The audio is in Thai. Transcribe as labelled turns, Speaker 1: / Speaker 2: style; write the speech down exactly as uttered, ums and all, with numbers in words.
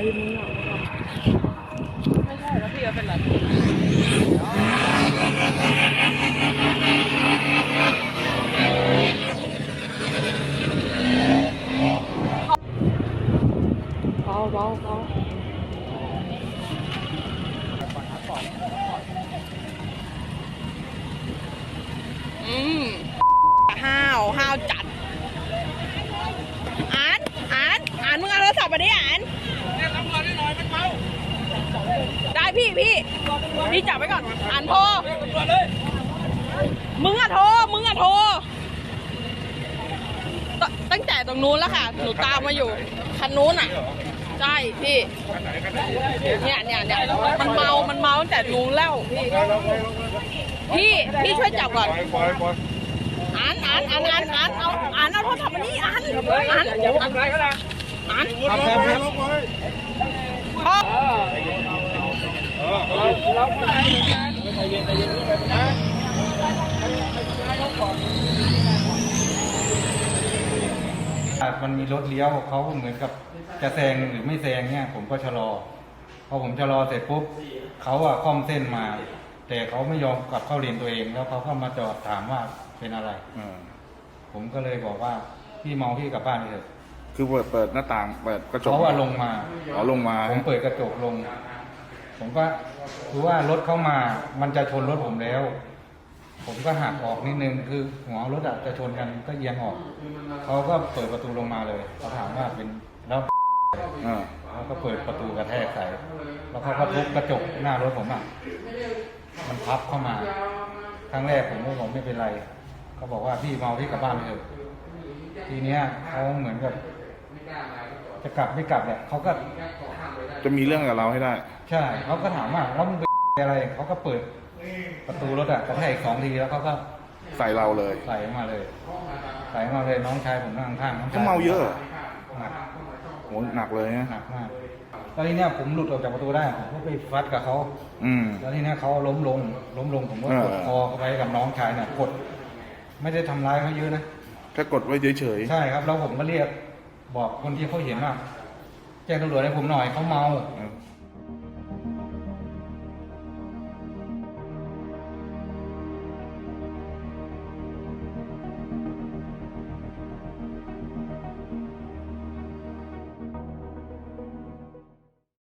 Speaker 1: มึงอ่ะไม่ใช่แล้วพี่จะเป็นไรเบาเบาเบาอืมห้าวห้าวจัดอ่านอ่านอ่านมึงเอาโทรศัพท์มาดิอ่านเรียกตำรวจได้หน่อยมันเมาได้พี่พี่พี่จับไว้ก่อนอ่านโทรมึงอะโทรมึงอะโทรตั้งแต่ตรงนู้นแล้วค่ะหนูตามมาอยู่คันนู้นอ่ะใช่พี่เนี่ยเนี่ยเนี่ยมันเมามันเมาตั้งแต่นู้นแล้วพี่พี่พี่ช่วยจับก่อนอ่านอ่านอ่านอ่านอ่านเอาอ่านเอาโทรศัพท์มานี่อ่านอ่านอย่าทำอะไรก็ได้อ่านครับครับครับพ่อเราใจเย็นใจเย็นนะ
Speaker 2: มันมีรถเลี้ยวเขาเหมือนกับจะแซงหรือไม่แซงเนี่ยผมก็ชะลอพอผมชะลอเสร็จปุ๊บเขาอะค่อมเส้นมา แต่เขาไม่ยอมกลับเข้าเลนตัวเองแล้วเขาก็มาจอดถามว่าเป็นอะไรผมก็เลยบอกว่าพี่เมาพี่กลับบ้านเถอะ
Speaker 3: คือเปิดเปิดหน้าต่างเปิดกระจก
Speaker 2: เขาว่าลงมา
Speaker 3: อ๋อลงมา
Speaker 2: ผมเปิดกระจกลงผมก็คือว่ารถเข้ามามันจะชนรถผมแล้วผมก็หักออกนิดนึงคือหัวรถอะจะชนกันก็เอียงออกเขาก็เปิดประตูลงมาเลยเขาถามว่าเป็นแล้วแล้วก็เปิดประตูกระแทกใส่แล้วเขาก็ทุบกระจกหน้ารถผมอะมันพับเข้ามาครั้งแรกผมก็บอกไม่เป็นไรเขาบอกว่าพี่เมาพี่กลับบ้านเถอะทีเนี้ยเขาเหมือนกับจะกลับไม่กลับเนี่ยเขาก็
Speaker 3: จะมีเรื่องกับเราให้ได้
Speaker 2: ใช่เขาก็ถามว่าแล้วมึงเป็นอะไรเขาก็เปิดประตูรถอะกระแทกสองทีแล้วเขาก็
Speaker 3: ใส่เราเลย
Speaker 2: ใส่มาเลยใส่มาเลยน้องชายผมนั่งข้างน้องชาย
Speaker 3: เขาเมาเยอะ
Speaker 2: หนัก
Speaker 3: โหหนักเลยนะ
Speaker 2: หนักมากแล้วทีเนี้ยผมหลุดออกจากประตูได้ผมก็ไปฟัดกับเขา
Speaker 3: อืม
Speaker 2: แล้วทีเนี้ยเขาล้มลงล้มลงผมก็กดคอเขาไปกับน้องชายเนี่ยกดไม่ได้ทำร้ายเขาเยอะนะ
Speaker 3: แค่กดไว้เฉย
Speaker 2: ๆใช่ครับแล้วผมก็เรียกบอกคนที่เขาเห็นว่าแจ้งตำรวจให้ผมหน่อยเขาเมา